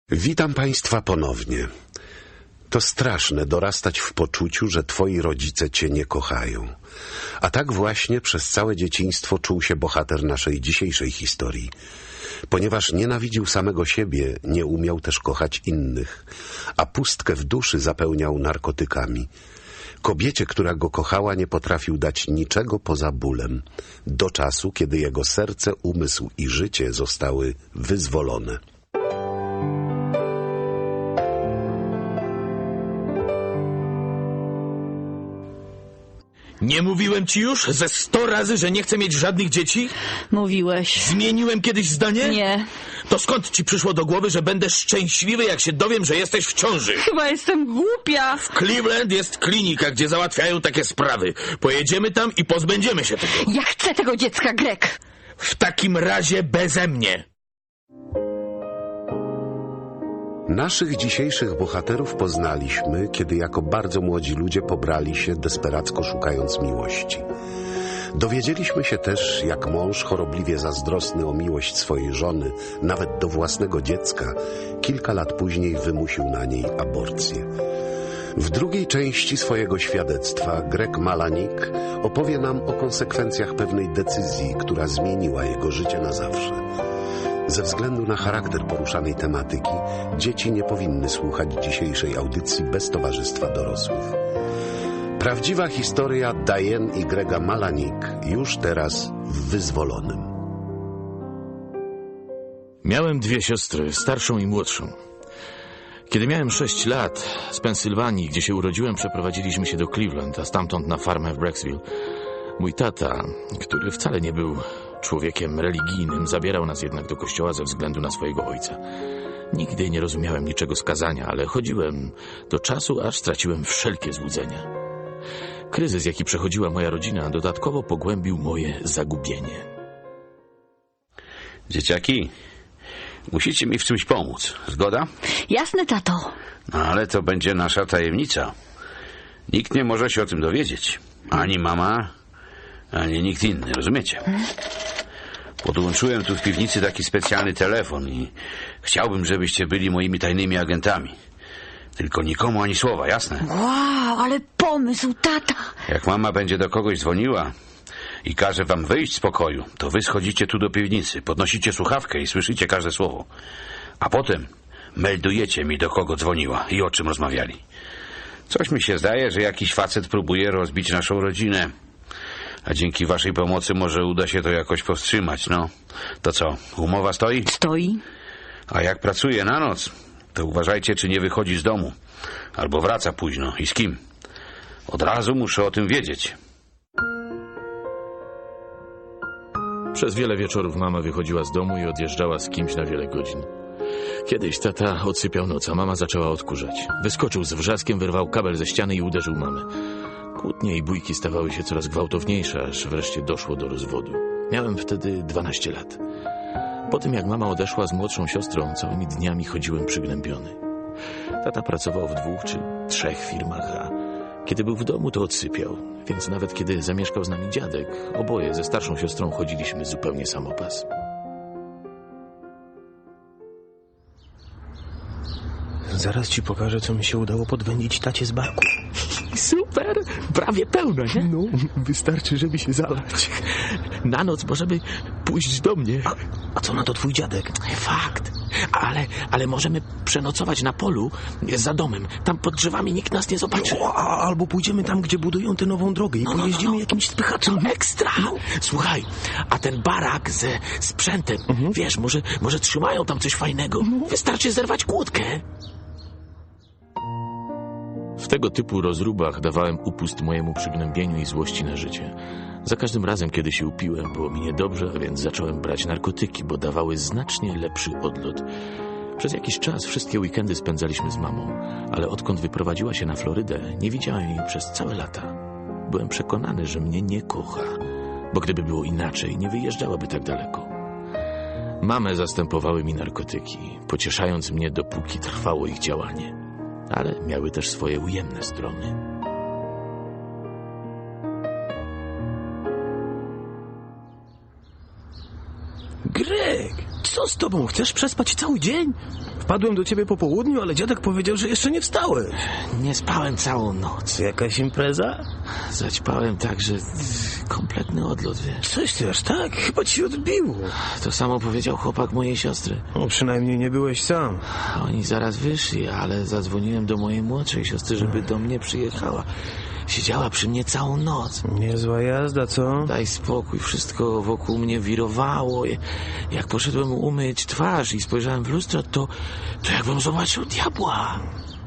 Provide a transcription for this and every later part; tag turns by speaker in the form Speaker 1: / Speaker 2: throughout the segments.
Speaker 1: Witam Państwa ponownie. To straszne dorastać w poczuciu, że Twoi rodzice Cię nie kochają. A tak właśnie przez całe dzieciństwo czuł się bohater naszej dzisiejszej historii. Ponieważ nienawidził samego siebie, nie umiał też kochać innych, a pustkę w duszy zapełniał narkotykami. Kobiecie, która go kochała, nie potrafił dać niczego poza bólem, do czasu, kiedy jego serce, umysł i życie zostały wyzwolone.
Speaker 2: Nie mówiłem ci już ze 100 razy, że nie chcę mieć żadnych dzieci?
Speaker 3: Mówiłeś.
Speaker 2: Zmieniłem kiedyś zdanie?
Speaker 3: Nie.
Speaker 2: To skąd ci przyszło do głowy, że będę szczęśliwy, jak się dowiem, że jesteś w ciąży?
Speaker 3: Chyba jestem głupia.
Speaker 2: W Cleveland jest klinika, gdzie załatwiają takie sprawy. Pojedziemy tam i pozbędziemy się tego.
Speaker 3: Ja chcę tego dziecka, Greg.
Speaker 2: W takim razie beze mnie.
Speaker 1: Naszych dzisiejszych bohaterów poznaliśmy, kiedy jako bardzo młodzi ludzie pobrali się, desperacko szukając miłości. Dowiedzieliśmy się też, jak mąż, chorobliwie zazdrosny o miłość swojej żony, nawet do własnego dziecka, kilka lat później wymusił na niej aborcję. W drugiej części swojego świadectwa Greg Malanik opowie nam o konsekwencjach pewnej decyzji, która zmieniła jego życie na zawsze. Ze względu na charakter poruszanej tematyki, dzieci nie powinny słuchać dzisiejszej audycji bez towarzystwa dorosłych. Prawdziwa historia Diane i Grega Malanik już teraz w Wyzwolonym.
Speaker 2: Miałem 2 siostry, starszą i młodszą. Kiedy miałem 6 lat, z Pensylwanii, gdzie się urodziłem, przeprowadziliśmy się do Cleveland, a stamtąd na farmę w Brecksville. Mój tata, który wcale nie był człowiekiem religijnym, zabierał nas jednak do kościoła ze względu na swojego ojca. Nigdy nie rozumiałem niczego z kazania, ale chodziłem do czasu, aż straciłem wszelkie złudzenia. Kryzys, jaki przechodziła moja rodzina, dodatkowo pogłębił moje zagubienie.
Speaker 4: Dzieciaki, musicie mi w czymś pomóc. Zgoda?
Speaker 3: Jasne, tato.
Speaker 4: No, ale to będzie nasza tajemnica. Nikt nie może się o tym dowiedzieć. Ani mama, ani nikt inny, rozumiecie? Podłączyłem tu w piwnicy taki specjalny telefon i chciałbym, żebyście byli moimi tajnymi agentami. Tylko nikomu ani słowa, jasne?
Speaker 3: Wow, ale pomysł, tata.
Speaker 4: Jak mama będzie do kogoś dzwoniła i każe wam wyjść z pokoju, to wy schodzicie tu do piwnicy, podnosicie słuchawkę i słyszycie każde słowo. A potem meldujecie mi, do kogo dzwoniła i o czym rozmawiali. Coś mi się zdaje, że jakiś facet próbuje rozbić naszą rodzinę. A dzięki waszej pomocy może uda się to jakoś powstrzymać, no. To co, umowa stoi?
Speaker 3: Stoi.
Speaker 4: A jak pracuje na noc, to uważajcie, czy nie wychodzi z domu. Albo wraca późno. I z kim? Od razu muszę o tym wiedzieć.
Speaker 2: Przez wiele wieczorów mama wychodziła z domu i odjeżdżała z kimś na wiele godzin. Kiedyś tata odsypiał noc, a mama zaczęła odkurzać. Wyskoczył z wrzaskiem, wyrwał kabel ze ściany i uderzył mamę. Kłótnie i bójki stawały się coraz gwałtowniejsze, aż wreszcie doszło do rozwodu. Miałem wtedy 12 lat. Po tym, jak mama odeszła z młodszą siostrą, całymi dniami chodziłem przygnębiony. Tata pracował w 2 czy 3 firmach, a kiedy był w domu, to odsypiał. Więc nawet kiedy zamieszkał z nami dziadek, oboje ze starszą siostrą chodziliśmy zupełnie samopas.
Speaker 5: Zaraz ci pokażę, co mi się udało podwędzić tacie z barku.
Speaker 2: Super! Prawie pełno, nie?
Speaker 5: No, wystarczy, żeby się zalać.
Speaker 2: Na noc możemy pójść do mnie.
Speaker 5: A co na to twój dziadek?
Speaker 2: Fakt. Ale możemy przenocować na polu za domem. Tam pod drzewami nikt nas nie zobaczy.
Speaker 5: No, albo pójdziemy tam, gdzie budują tę nową drogę i pojeździmy jakimś spychaczem.
Speaker 2: Ekstra! Słuchaj, a ten barak ze sprzętem, wiesz, może trzymają tam coś fajnego. Wystarczy zerwać kłódkę. W tego typu rozróbach dawałem upust mojemu przygnębieniu i złości na życie. Za każdym razem, kiedy się upiłem, było mi niedobrze, a więc zacząłem brać narkotyki, bo dawały znacznie lepszy odlot. Przez jakiś czas wszystkie weekendy spędzaliśmy z mamą, ale odkąd wyprowadziła się na Florydę, nie widziałem jej przez całe lata. Byłem przekonany, że mnie nie kocha, bo gdyby było inaczej, nie wyjeżdżałaby tak daleko. Mamę zastępowały mi narkotyki, pocieszając mnie, dopóki trwało ich działanie. Ale miały też swoje ujemne strony.
Speaker 5: Greg, co z tobą? Chcesz przespać cały dzień? Wpadłem do ciebie po południu, ale dziadek powiedział, że jeszcze nie wstałeś.
Speaker 2: Nie spałem całą noc.
Speaker 5: Jakaś impreza?
Speaker 2: Zaćpałem tak, że kompletny odlot, wiesz.
Speaker 5: Coś ty aż tak? Chyba ci odbiło.
Speaker 2: To samo powiedział chłopak mojej siostry.
Speaker 5: No, przynajmniej nie byłeś sam.
Speaker 2: Oni zaraz wyszli, ale zadzwoniłem do mojej młodszej siostry, żeby do mnie przyjechała. Siedziała przy mnie całą noc.
Speaker 5: Niezła jazda, co?
Speaker 2: Daj spokój, wszystko wokół mnie wirowało. Jak poszedłem umyć twarz i spojrzałem w lustro, to jakbym zobaczył diabła.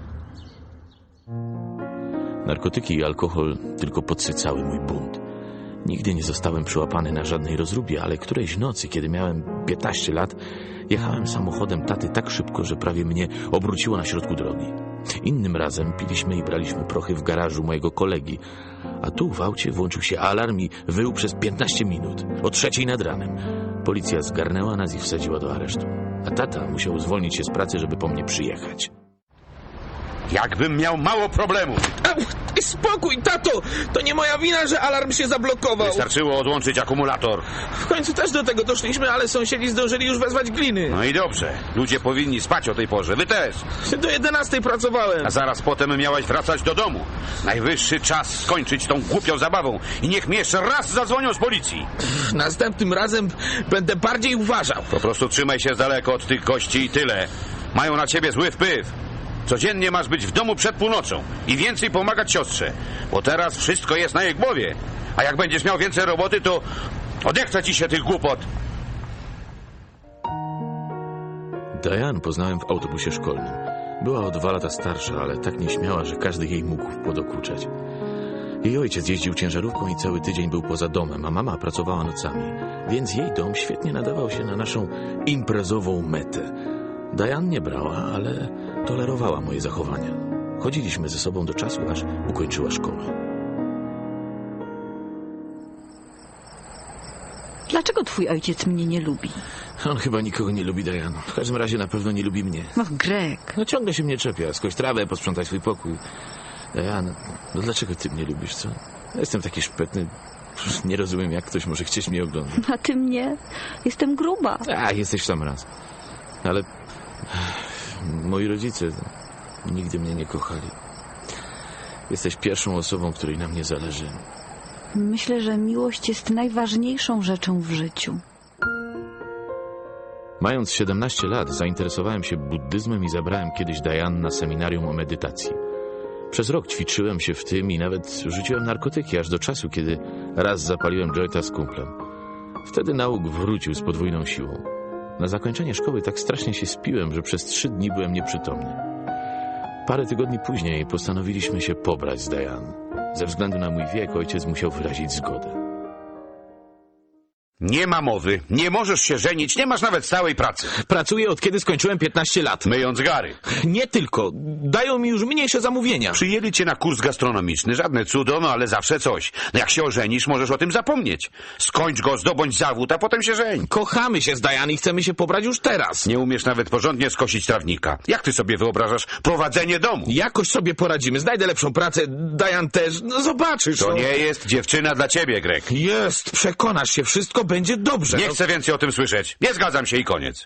Speaker 2: Narkotyki i alkohol tylko podsycały mój bunt. Nigdy nie zostałem przyłapany na żadnej rozróbie, ale którejś nocy, kiedy miałem 15 lat, jechałem samochodem taty tak szybko, że prawie mnie obróciło na środku drogi. Innym razem piliśmy i braliśmy prochy w garażu mojego kolegi, a tu w aucie włączył się alarm i wył przez 15 minut, o 3:00 nad ranem. Policja zgarnęła nas i wsadziła do aresztu, a tata musiał zwolnić się z pracy, żeby po mnie przyjechać.
Speaker 4: Jakbym miał mało problemów.
Speaker 2: Spokój, tato! To nie moja wina, że alarm się zablokował.
Speaker 4: Wystarczyło odłączyć akumulator.
Speaker 2: W końcu też do tego doszliśmy, ale sąsiedzi zdążyli już wezwać gliny.
Speaker 4: No i dobrze. Ludzie powinni spać o tej porze. Wy też.
Speaker 2: Do 11:00 pracowałem.
Speaker 4: A zaraz potem miałeś wracać do domu. Najwyższy czas skończyć tą głupią zabawą i niech mi jeszcze raz zadzwonią z policji.
Speaker 2: Następnym razem będę bardziej uważał.
Speaker 4: Po prostu trzymaj się z daleko od tych gości i tyle. Mają na ciebie zły wpływ. Codziennie masz być w domu przed północą i więcej pomagać siostrze, bo teraz wszystko jest na jej głowie. A jak będziesz miał więcej roboty, to odechce ci się tych głupot.
Speaker 2: Diane poznałem w autobusie szkolnym. Była o 2 lata starsza, ale tak nieśmiała, że każdy jej mógł podokuczać. Jej ojciec jeździł ciężarówką i cały tydzień był poza domem, a mama pracowała nocami, więc jej dom świetnie nadawał się na naszą imprezową metę. Diane nie brała, ale tolerowała moje zachowania. Chodziliśmy ze sobą do czasu, aż ukończyła szkołę.
Speaker 3: Dlaczego twój ojciec mnie nie lubi?
Speaker 2: On chyba nikogo nie lubi, Diane. W każdym razie na pewno nie lubi mnie.
Speaker 3: No, Greg.
Speaker 2: No ciągle się mnie czepia. Skoś trawę, posprzątaj swój pokój. Diane, no dlaczego ty mnie lubisz, co? Ja jestem taki szpetny. Nie rozumiem, jak ktoś może chcieć mnie oglądać.
Speaker 3: A ty mnie? Jestem gruba.
Speaker 2: A, jesteś w sam raz. Ale moi rodzice nigdy mnie nie kochali. Jesteś pierwszą osobą, której na mnie zależy.
Speaker 3: Myślę, że miłość jest najważniejszą rzeczą w życiu.
Speaker 2: Mając 17 lat, zainteresowałem się buddyzmem i zabrałem kiedyś Diane na seminarium o medytacji. Przez rok ćwiczyłem się w tym i nawet rzuciłem narkotyki, aż do czasu, kiedy raz zapaliłem jointa z kumplem. Wtedy nauk wrócił z podwójną siłą. Na zakończenie szkoły tak strasznie się spiłem, że przez 3 dni byłem nieprzytomny. Parę tygodni później postanowiliśmy się pobrać z Diane. Ze względu na mój wiek ojciec musiał wyrazić zgodę.
Speaker 4: Nie ma mowy. Nie możesz się żenić. Nie masz nawet stałej pracy.
Speaker 2: Pracuję od kiedy skończyłem 15 lat.
Speaker 4: Myjąc gary.
Speaker 2: Nie tylko. Dają mi już mniejsze zamówienia.
Speaker 4: Przyjęli cię na kurs gastronomiczny. Żadne cudo, no ale zawsze coś. No jak się ożenisz, możesz o tym zapomnieć. Skończ go, zdobądź zawód, a potem się żeń.
Speaker 2: Kochamy się z Diane i chcemy się pobrać już teraz.
Speaker 4: Nie umiesz nawet porządnie skosić trawnika. Jak ty sobie wyobrażasz prowadzenie domu?
Speaker 2: Jakoś sobie poradzimy. Znajdę lepszą pracę. Diane też. No zobaczysz.
Speaker 4: To nie jest dziewczyna dla ciebie, Greg.
Speaker 2: Jest. Przekonasz się. Wszystko będzie dobrze.
Speaker 4: Nie chcę więcej o tym słyszeć. Nie zgadzam się i koniec.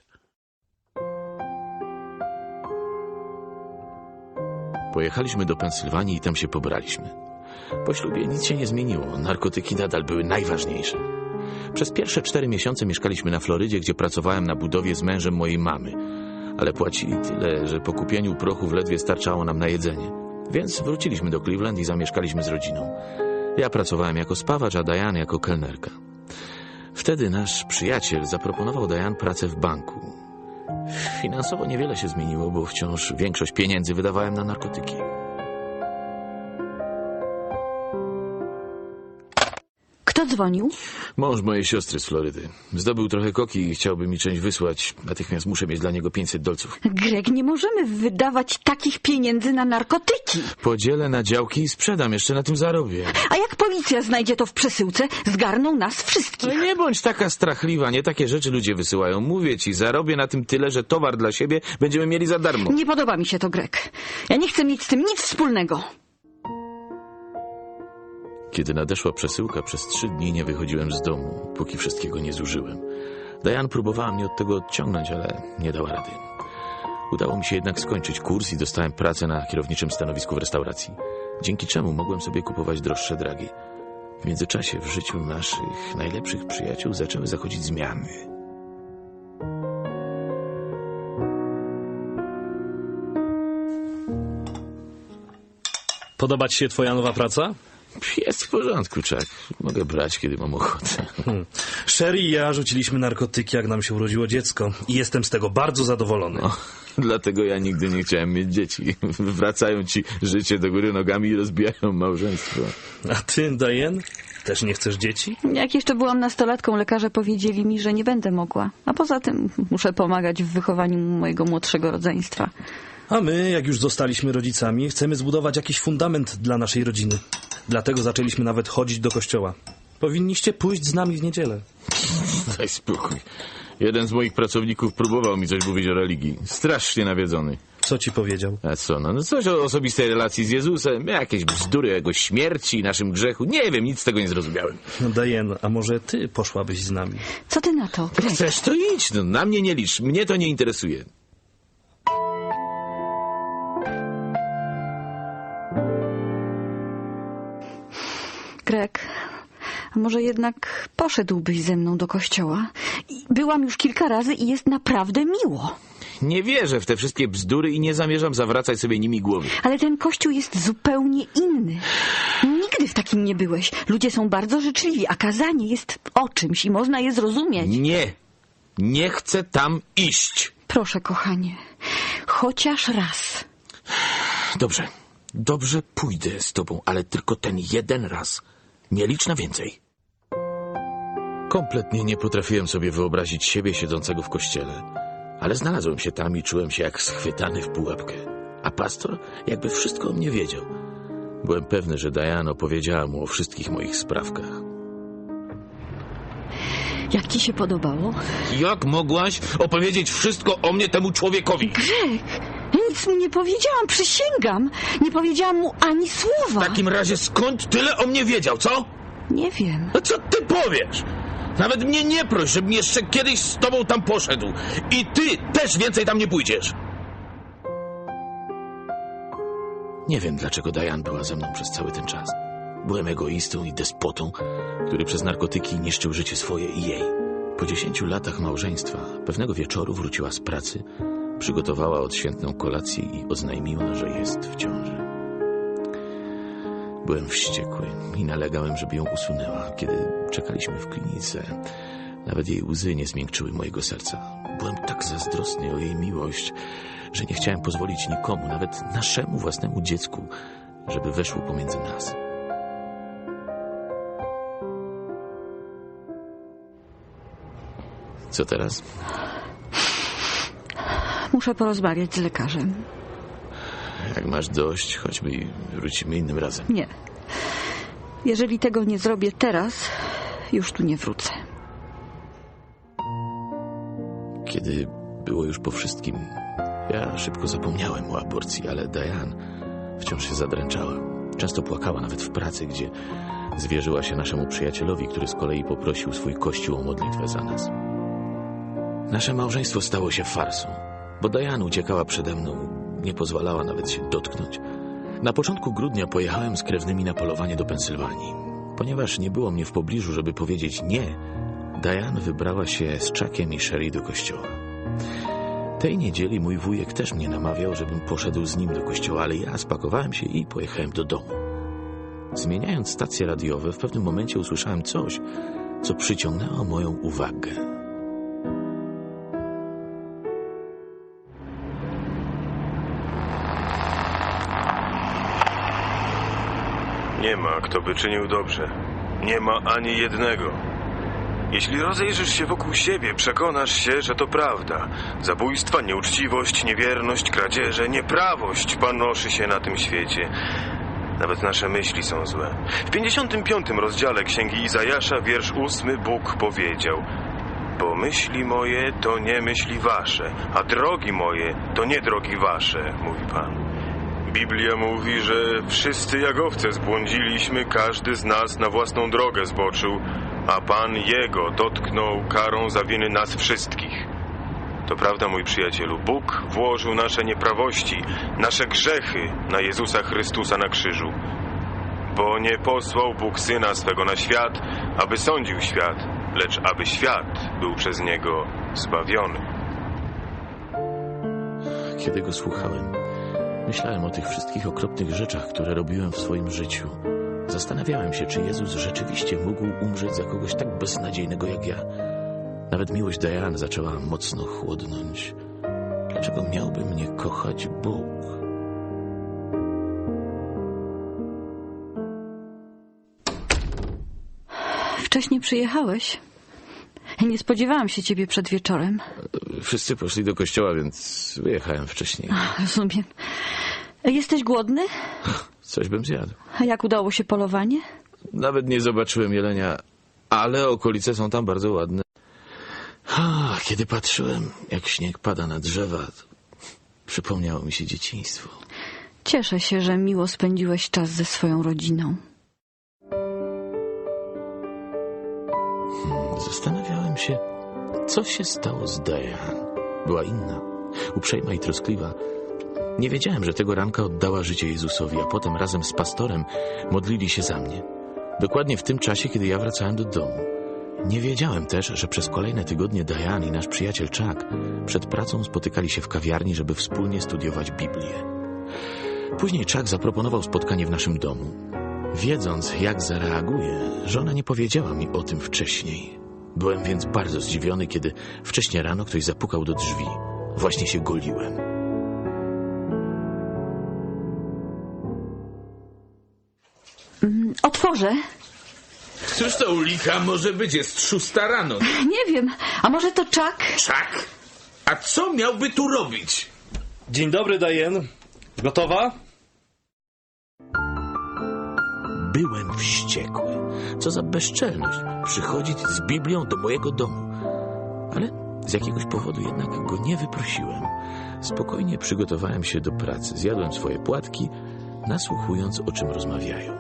Speaker 2: Pojechaliśmy do Pensylwanii i tam się pobraliśmy. Po ślubie nic się nie zmieniło. Narkotyki nadal były najważniejsze. Przez pierwsze 4 miesiące mieszkaliśmy na Florydzie, gdzie pracowałem na budowie z mężem mojej mamy. Ale płacili tyle, że po kupieniu prochów ledwie starczało nam na jedzenie. Więc wróciliśmy do Cleveland i zamieszkaliśmy z rodziną. Ja pracowałem jako spawacz, a Diane jako kelnerka. Wtedy nasz przyjaciel zaproponował Diane pracę w banku. Finansowo niewiele się zmieniło, bo wciąż większość pieniędzy wydawałem na narkotyki.
Speaker 3: Kto dzwonił?
Speaker 2: Mąż mojej siostry z Florydy. Zdobył trochę koki i chciałby mi część wysłać. Natychmiast muszę mieć dla niego $500.
Speaker 3: Greg, nie możemy wydawać takich pieniędzy na narkotyki.
Speaker 2: Podzielę na działki i sprzedam. Jeszcze na tym zarobię.
Speaker 3: A jak policja znajdzie to w przesyłce, zgarną nas wszystkich.
Speaker 2: No nie bądź taka strachliwa. Nie takie rzeczy ludzie wysyłają. Mówię ci, zarobię na tym tyle, że towar dla siebie będziemy mieli za darmo.
Speaker 3: Nie podoba mi się to, Greg. Ja nie chcę mieć z tym nic wspólnego.
Speaker 2: Kiedy nadeszła przesyłka, przez 3 dni nie wychodziłem z domu, póki wszystkiego nie zużyłem. Diane próbowała mnie od tego odciągnąć, ale nie dała rady. Udało mi się jednak skończyć kurs i dostałem pracę na kierowniczym stanowisku w restauracji, dzięki czemu mogłem sobie kupować droższe dragi. W międzyczasie w życiu naszych najlepszych przyjaciół zaczęły zachodzić zmiany.
Speaker 6: Podoba ci się twoja nowa praca?
Speaker 2: Jest w porządku, Chuck. Mogę brać, kiedy mam ochotę.
Speaker 6: Sherry i ja rzuciliśmy narkotyki, jak nam się urodziło dziecko. I jestem z tego bardzo zadowolony.
Speaker 2: Dlatego ja nigdy nie chciałem mieć dzieci. Wracają ci życie do góry nogami i rozbijają małżeństwo.
Speaker 6: A ty, Diane? Też nie chcesz dzieci?
Speaker 3: Jak jeszcze byłam nastolatką, lekarze powiedzieli mi, że nie będę mogła. A poza tym muszę pomagać w wychowaniu mojego młodszego rodzeństwa.
Speaker 6: A my, jak już zostaliśmy rodzicami, chcemy zbudować jakiś fundament dla naszej rodziny. Dlatego zaczęliśmy nawet chodzić do kościoła. Powinniście pójść z nami w niedzielę.
Speaker 2: Daj spokój. Jeden z moich pracowników próbował mi coś mówić o religii. Strasznie nawiedzony.
Speaker 6: Co ci powiedział?
Speaker 2: A co, no coś o osobistej relacji z Jezusem, jakieś bzdury o jego śmierci i naszym grzechu. Nie wiem, nic z tego nie zrozumiałem.
Speaker 6: No Diane, a może ty poszłabyś z nami?
Speaker 3: Co ty na to, Greg?
Speaker 2: Chcesz, to idź, no, na mnie nie licz. Mnie to nie interesuje.
Speaker 3: Greg, a może jednak poszedłbyś ze mną do kościoła? Byłam już kilka razy i jest naprawdę miło.
Speaker 2: Nie wierzę w te wszystkie bzdury i nie zamierzam zawracać sobie nimi głowy.
Speaker 3: Ale ten kościół jest zupełnie inny. Nigdy w takim nie byłeś. Ludzie są bardzo życzliwi, a kazanie jest o czymś i można je zrozumieć.
Speaker 2: Nie chcę tam iść.
Speaker 3: Proszę, kochanie, chociaż raz.
Speaker 2: Dobrze pójdę z tobą, ale tylko ten jeden raz. Nie licz na więcej. Kompletnie nie potrafiłem sobie wyobrazić siebie siedzącego w kościele. Ale znalazłem się tam i czułem się jak schwytany w pułapkę. A pastor jakby wszystko o mnie wiedział. Byłem pewny, że Diane opowiedziała mu o wszystkich moich sprawkach.
Speaker 3: Jak ci się podobało?
Speaker 2: Jak mogłaś opowiedzieć wszystko o mnie temu człowiekowi?
Speaker 3: Greg, nic mu nie powiedziałam, przysięgam. Nie powiedziałam mu ani słowa.
Speaker 2: W takim razie skąd tyle o mnie wiedział, co?
Speaker 3: Nie wiem.
Speaker 2: No co ty powiesz? Nawet mnie nie proś, żebym jeszcze kiedyś z tobą tam poszedł. I ty też więcej tam nie pójdziesz. Nie wiem, dlaczego Diane była ze mną przez cały ten czas. Byłem egoistą i despotą, który przez narkotyki niszczył życie swoje i jej. Po 10 latach małżeństwa pewnego wieczoru wróciła z pracy, przygotowała odświętną kolację i oznajmiła, że jest w ciąży. Byłem wściekły i nalegałem, żeby ją usunęła. Kiedy czekaliśmy w klinice, nawet jej łzy nie zmiękczyły mojego serca. Byłem tak zazdrosny o jej miłość, że nie chciałem pozwolić nikomu, nawet naszemu własnemu dziecku, żeby weszło pomiędzy nas. Co teraz?
Speaker 3: Muszę porozmawiać z lekarzem.
Speaker 2: Jak masz dość, chodźmy i wrócimy innym razem.
Speaker 3: Nie. Jeżeli tego nie zrobię teraz, już tu nie wrócę.
Speaker 2: Kiedy było już po wszystkim, ja szybko zapomniałem o aborcji, ale Diane wciąż się zadręczała. Często płakała nawet w pracy, gdzie zwierzyła się naszemu przyjacielowi, który z kolei poprosił swój kościół o modlitwę za nas. Nasze małżeństwo stało się farsą, bo Diane uciekała przede mną, nie pozwalała nawet się dotknąć. Na początku grudnia pojechałem z krewnymi na polowanie do Pensylwanii. Ponieważ nie było mnie w pobliżu, żeby powiedzieć nie, Diane wybrała się z Chuckiem i Sherry do kościoła. Tej niedzieli mój wujek też mnie namawiał, żebym poszedł z nim do kościoła, ale ja spakowałem się i pojechałem do domu. Zmieniając stacje radiowe, w pewnym momencie usłyszałem coś, co przyciągnęło moją uwagę.
Speaker 7: Nie ma, kto by czynił dobrze. Nie ma ani jednego. Jeśli rozejrzysz się wokół siebie, przekonasz się, że to prawda. Zabójstwa, nieuczciwość, niewierność, kradzieże, nieprawość panoszy się na tym świecie. Nawet nasze myśli są złe. W 55 rozdziale Księgi Izajasza, wiersz 8, Bóg powiedział: bo myśli moje to nie myśli wasze, a drogi moje to nie drogi wasze, mówi Pan. Biblia mówi, że wszyscy jak owce zbłądziliśmy, każdy z nas na własną drogę zboczył, a Pan Jego dotknął karą za winy nas wszystkich. To prawda, mój przyjacielu, Bóg włożył nasze nieprawości, nasze grzechy na Jezusa Chrystusa na krzyżu. Bo nie posłał Bóg Syna swego na świat, aby sądził świat, lecz aby świat był przez Niego zbawiony.
Speaker 2: Kiedy go słuchałem, myślałem o tych wszystkich okropnych rzeczach, które robiłem w swoim życiu. Zastanawiałem się, czy Jezus rzeczywiście mógł umrzeć za kogoś tak beznadziejnego jak ja. Nawet miłość Diane zaczęła mocno chłodnąć. Dlaczego miałby mnie kochać Bóg?
Speaker 3: Wcześnie przyjechałeś. Nie spodziewałam się ciebie przed wieczorem.
Speaker 2: Wszyscy poszli do kościoła, więc wyjechałem wcześniej.
Speaker 3: Rozumiem. Jesteś głodny?
Speaker 2: Coś bym zjadł.
Speaker 3: A jak udało się polowanie?
Speaker 2: Nawet nie zobaczyłem jelenia, ale okolice są tam bardzo ładne. Kiedy patrzyłem, jak śnieg pada na drzewa, przypomniało mi się dzieciństwo.
Speaker 3: Cieszę się, że miło spędziłeś czas ze swoją rodziną.
Speaker 2: Zastanawiałem się, co się stało z Diane. Była inna, uprzejma i troskliwa. Nie wiedziałem, że tego ranka oddała życie Jezusowi, a potem razem z pastorem modlili się za mnie. Dokładnie w tym czasie, kiedy ja wracałem do domu. Nie wiedziałem też, że przez kolejne tygodnie Diane i nasz przyjaciel Chuck przed pracą spotykali się w kawiarni, żeby wspólnie studiować Biblię. Później Chuck zaproponował spotkanie w naszym domu. Wiedząc, jak zareaguję, żona nie powiedziała mi o tym wcześniej. Byłem więc bardzo zdziwiony, kiedy wcześnie rano ktoś zapukał do drzwi. Właśnie się goliłem.
Speaker 3: Otworzę.
Speaker 8: Cóż to, Ulika, może być? Jest 6 rano.
Speaker 3: Nie wiem, a może to Chuck?
Speaker 8: Chuck? A co miałby tu robić?
Speaker 6: Dzień dobry, Diane. Gotowa?
Speaker 2: Byłem wściekły. Co za bezczelność przychodzić z Biblią do mojego domu. Ale z jakiegoś powodu jednak go nie wyprosiłem. Spokojnie przygotowałem się do pracy. Zjadłem swoje płatki, nasłuchując, o czym rozmawiają.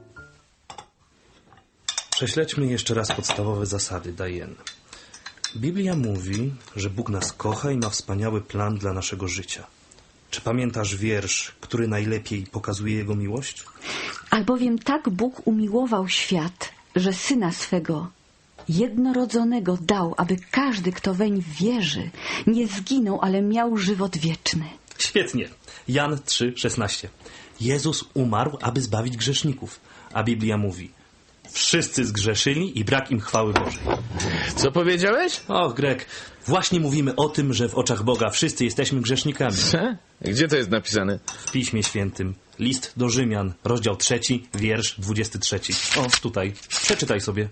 Speaker 6: Prześledźmy jeszcze raz podstawowe zasady, Diane. Biblia mówi, że Bóg nas kocha i ma wspaniały plan dla naszego życia. Czy pamiętasz wiersz, który najlepiej pokazuje Jego miłość?
Speaker 3: Albowiem tak Bóg umiłował świat, że Syna swego jednorodzonego dał, aby każdy, kto weń wierzy, nie zginął, ale miał żywot wieczny.
Speaker 6: Świetnie. Jan 3,16. Jezus umarł, aby zbawić grzeszników. A Biblia mówi: wszyscy zgrzeszyli i brak im chwały Bożej.
Speaker 2: Co powiedziałeś?
Speaker 6: Och, Greg, właśnie mówimy o tym, że w oczach Boga wszyscy jesteśmy grzesznikami.
Speaker 2: Gdzie to jest napisane?
Speaker 6: W Piśmie Świętym. List do Rzymian, rozdział 3, wiersz 23. O, tutaj. Przeczytaj sobie.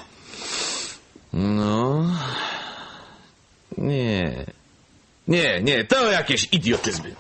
Speaker 2: No... Nie, to jakieś idiotyzmy.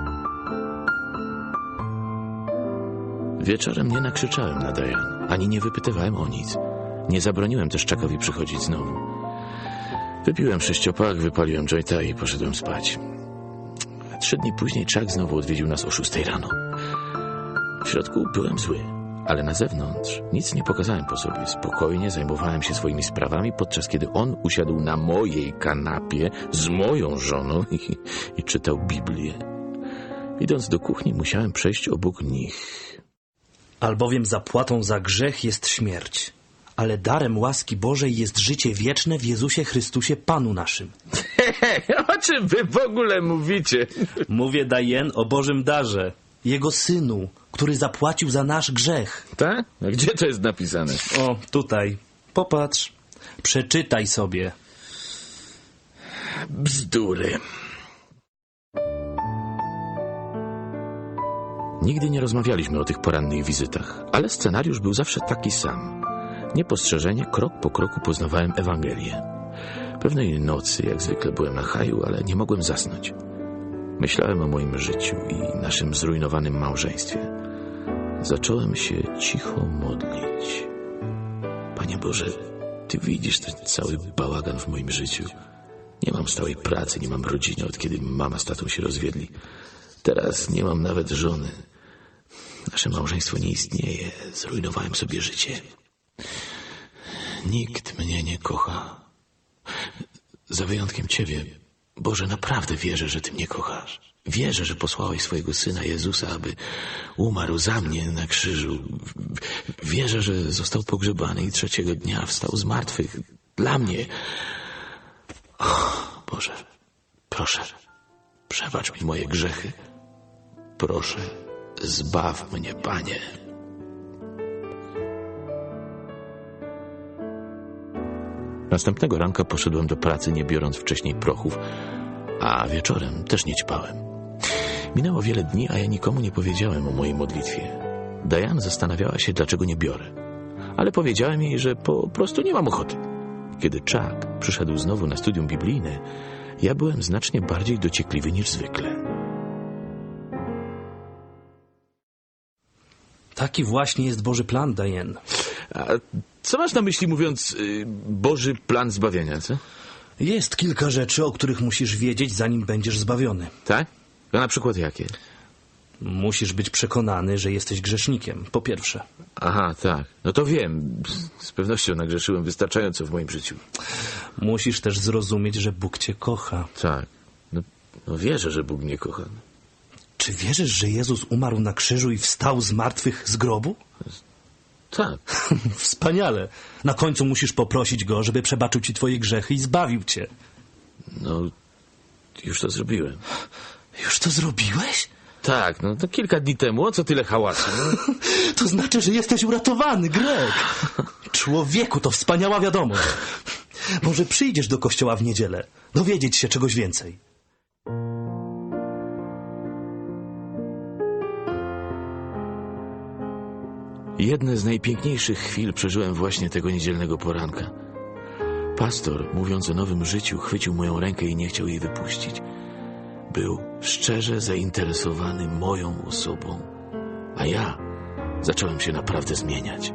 Speaker 2: Wieczorem nie nakrzyczałem na Diane, ani nie wypytywałem o nic. Nie zabroniłem też Chuckowi przychodzić znowu. Wypiłem 6-pak, wypaliłem jointa i poszedłem spać. 3 dni później Chuck znowu odwiedził nas o 6 rano. W środku byłem zły, ale na zewnątrz nic nie pokazałem po sobie. Spokojnie zajmowałem się swoimi sprawami, podczas kiedy on usiadł na mojej kanapie z moją żoną i czytał Biblię. Idąc do kuchni, musiałem przejść obok nich.
Speaker 6: Albowiem zapłatą za grzech jest śmierć, ale darem łaski Bożej jest życie wieczne w Jezusie Chrystusie Panu naszym.
Speaker 2: O czym wy w ogóle mówicie?
Speaker 6: Mówię, Diane, o Bożym darze, Jego Synu, który zapłacił za nasz grzech.
Speaker 2: Tak? A gdzie to jest napisane?
Speaker 6: O, tutaj. Popatrz. Przeczytaj sobie.
Speaker 2: Bzdury. Nigdy nie rozmawialiśmy o tych porannych wizytach, ale scenariusz był zawsze taki sam. Niepostrzeżenie, krok po kroku poznawałem Ewangelię. Pewnej nocy, jak zwykle, byłem na haju, ale nie mogłem zasnąć. Myślałem o moim życiu i naszym zrujnowanym małżeństwie. Zacząłem się cicho modlić. Panie Boże, Ty widzisz ten cały bałagan w moim życiu. Nie mam stałej pracy, nie mam rodziny, od kiedy mama z tatą się rozwiedli. Teraz nie mam nawet żony. Nasze małżeństwo nie istnieje. Zrujnowałem sobie życie. Nikt mnie nie kocha. Za wyjątkiem Ciebie, Boże, naprawdę wierzę, że Ty mnie kochasz. Wierzę, że posłałeś swojego Syna Jezusa, aby umarł za mnie na krzyżu. Wierzę, że został pogrzebany i 3. dnia wstał z martwych dla mnie. Boże, proszę, przebacz mi moje grzechy. Proszę, zbaw mnie, Panie. Następnego ranka poszedłem do pracy, nie biorąc wcześniej prochów, a wieczorem też nie ćpałem. Minęło wiele dni, a ja nikomu nie powiedziałem o mojej modlitwie. Diane zastanawiała się, dlaczego nie biorę, ale powiedziałem jej, że po prostu nie mam ochoty. Kiedy Chuck przyszedł znowu na studium biblijne, ja byłem znacznie bardziej dociekliwy niż zwykle.
Speaker 6: Taki właśnie jest Boży plan, Diane.
Speaker 2: A co masz na myśli, mówiąc Boży plan zbawienia, co?
Speaker 6: Jest kilka rzeczy, o których musisz wiedzieć, zanim będziesz zbawiony.
Speaker 2: Tak? A na przykład jakie?
Speaker 6: Musisz być przekonany, że jesteś grzesznikiem, po pierwsze.
Speaker 2: Aha, tak. No to wiem. Z pewnością nagrzeszyłem wystarczająco w moim życiu.
Speaker 6: Musisz też zrozumieć, że Bóg cię kocha.
Speaker 2: Tak. No wierzę, że Bóg mnie kocha.
Speaker 6: Czy wierzysz, że Jezus umarł na krzyżu i wstał z martwych z grobu?
Speaker 2: Tak.
Speaker 6: Wspaniale. Na końcu musisz poprosić Go, żeby przebaczył ci twoje grzechy i zbawił cię.
Speaker 2: No, już to zrobiłem.
Speaker 6: Już to zrobiłeś?
Speaker 2: Tak, no to kilka dni temu. O co tyle hałasu? No?
Speaker 6: To znaczy, że jesteś uratowany, Greg. Człowieku, to wspaniała wiadomość. Może przyjdziesz do kościoła w niedzielę, dowiedzieć się czegoś więcej.
Speaker 2: Jedne z najpiękniejszych chwil przeżyłem właśnie tego niedzielnego poranka. Pastor, mówiąc o nowym życiu, chwycił moją rękę i nie chciał jej wypuścić. Był szczerze zainteresowany moją osobą, a ja zacząłem się naprawdę zmieniać.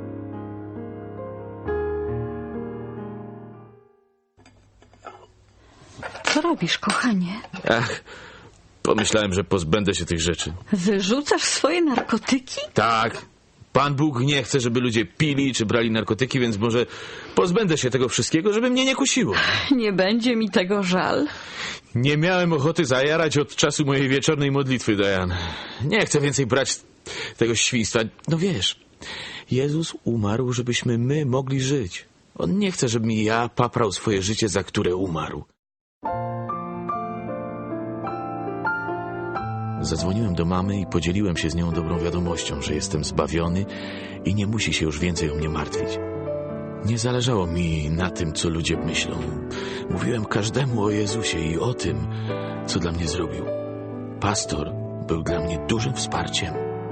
Speaker 3: Co robisz, kochanie?
Speaker 2: Ach, pomyślałem, że pozbędę się tych rzeczy.
Speaker 3: Wyrzucasz swoje narkotyki?
Speaker 2: Tak, Pan Bóg nie chce, żeby ludzie pili czy brali narkotyki, więc może pozbędę się tego wszystkiego, żeby mnie nie kusiło.
Speaker 3: Nie będzie mi tego żal.
Speaker 2: Nie miałem ochoty zajarać od czasu mojej wieczornej modlitwy, Diane. Nie chcę więcej brać tego świństwa. No wiesz, Jezus umarł, żebyśmy my mogli żyć. On nie chce, żebym ja paprał swoje życie, za które umarł. Zadzwoniłem do mamy i podzieliłem się z nią dobrą wiadomością, że jestem zbawiony i nie musi się już więcej o mnie martwić. Nie zależało mi na tym, co ludzie myślą. Mówiłem każdemu o Jezusie i o tym, co dla mnie zrobił. Pastor był dla mnie dużym wsparciem.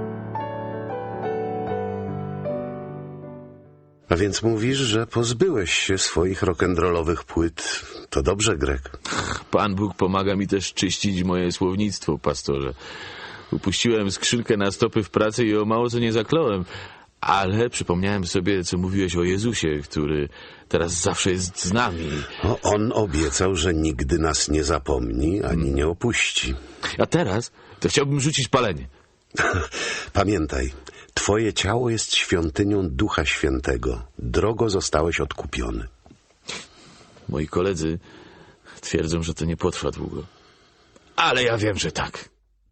Speaker 1: A więc mówisz, że pozbyłeś się swoich rock'n'rollowych płyt. To dobrze, Greg.
Speaker 2: Pan Bóg pomaga mi też czyścić moje słownictwo, pastorze. Upuściłem skrzynkę na stopy w pracy i o mało co nie zakląłem. Ale przypomniałem sobie, co mówiłeś o Jezusie, który teraz zawsze jest z nami.
Speaker 1: On obiecał, że nigdy nas nie zapomni ani nie opuści.
Speaker 2: A teraz to chciałbym rzucić palenie.
Speaker 1: Pamiętaj, twoje ciało jest świątynią Ducha Świętego. Drogo zostałeś odkupiony.
Speaker 2: Moi koledzy twierdzą, że to nie potrwa długo. Ale ja wiem, że tak.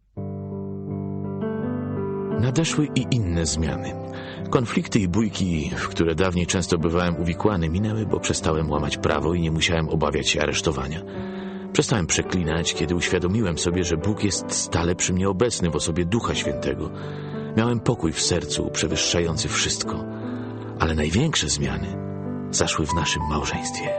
Speaker 2: Nadeszły i inne zmiany. Konflikty i bójki, w które dawniej często bywałem uwikłany, minęły, bo przestałem łamać prawo i nie musiałem obawiać się aresztowania. Przestałem przeklinać, kiedy uświadomiłem sobie, że Bóg jest stale przy mnie obecny w osobie Ducha Świętego. Miałem pokój w sercu, przewyższający wszystko. Ale największe zmiany zaszły w naszym małżeństwie.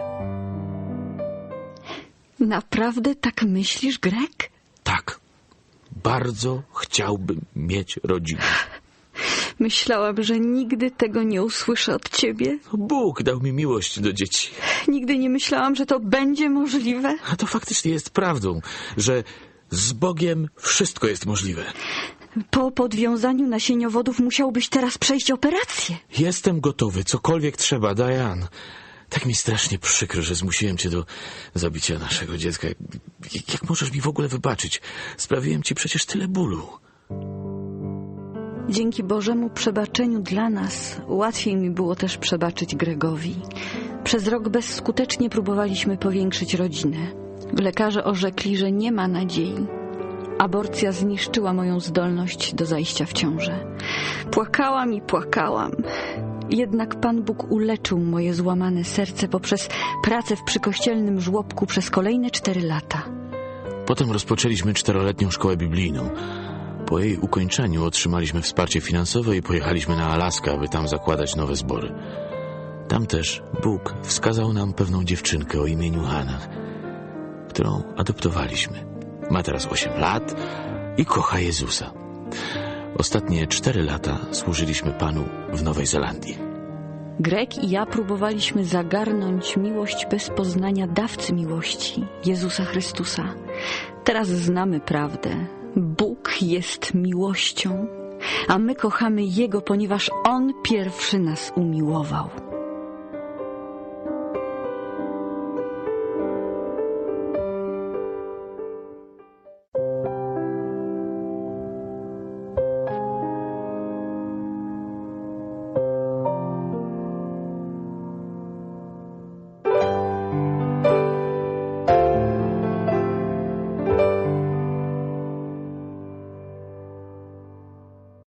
Speaker 3: Naprawdę tak myślisz, Greg?
Speaker 2: Tak. Bardzo chciałbym mieć rodzinę.
Speaker 3: Myślałam, że nigdy tego nie usłyszę od ciebie.
Speaker 2: Bóg dał mi miłość do dzieci.
Speaker 3: Nigdy nie myślałam, że to będzie możliwe.
Speaker 2: A to faktycznie jest prawdą, że z Bogiem wszystko jest możliwe.
Speaker 3: Po podwiązaniu nasieniowodów musiałbyś teraz przejść operację.
Speaker 2: Jestem gotowy, cokolwiek trzeba, Diane. Tak mi strasznie przykro, że zmusiłem cię do zabicia naszego dziecka. Jak możesz mi w ogóle wybaczyć? Sprawiłem ci przecież tyle bólu.
Speaker 3: Dzięki Bożemu przebaczeniu dla nas łatwiej mi było też przebaczyć Gregowi. Przez rok bezskutecznie próbowaliśmy powiększyć rodzinę. Lekarze orzekli, że nie ma nadziei. Aborcja zniszczyła moją zdolność do zajścia w ciążę. Płakałam i płakałam. Jednak Pan Bóg uleczył moje złamane serce poprzez pracę w przykościelnym żłobku przez kolejne 4 lata.
Speaker 2: Potem rozpoczęliśmy 4-letnią szkołę biblijną. Po jej ukończeniu otrzymaliśmy wsparcie finansowe i pojechaliśmy na Alaskę, aby tam zakładać nowe zbory. Tam też Bóg wskazał nam pewną dziewczynkę o imieniu Hannah, którą adoptowaliśmy. Ma teraz 8 lat i kocha Jezusa. Ostatnie 4 lata służyliśmy Panu w Nowej Zelandii.
Speaker 3: Greg i ja próbowaliśmy zagarnąć miłość bez poznania dawcy miłości, Jezusa Chrystusa. Teraz znamy prawdę. Bóg jest miłością, a my kochamy Jego, ponieważ On pierwszy nas umiłował.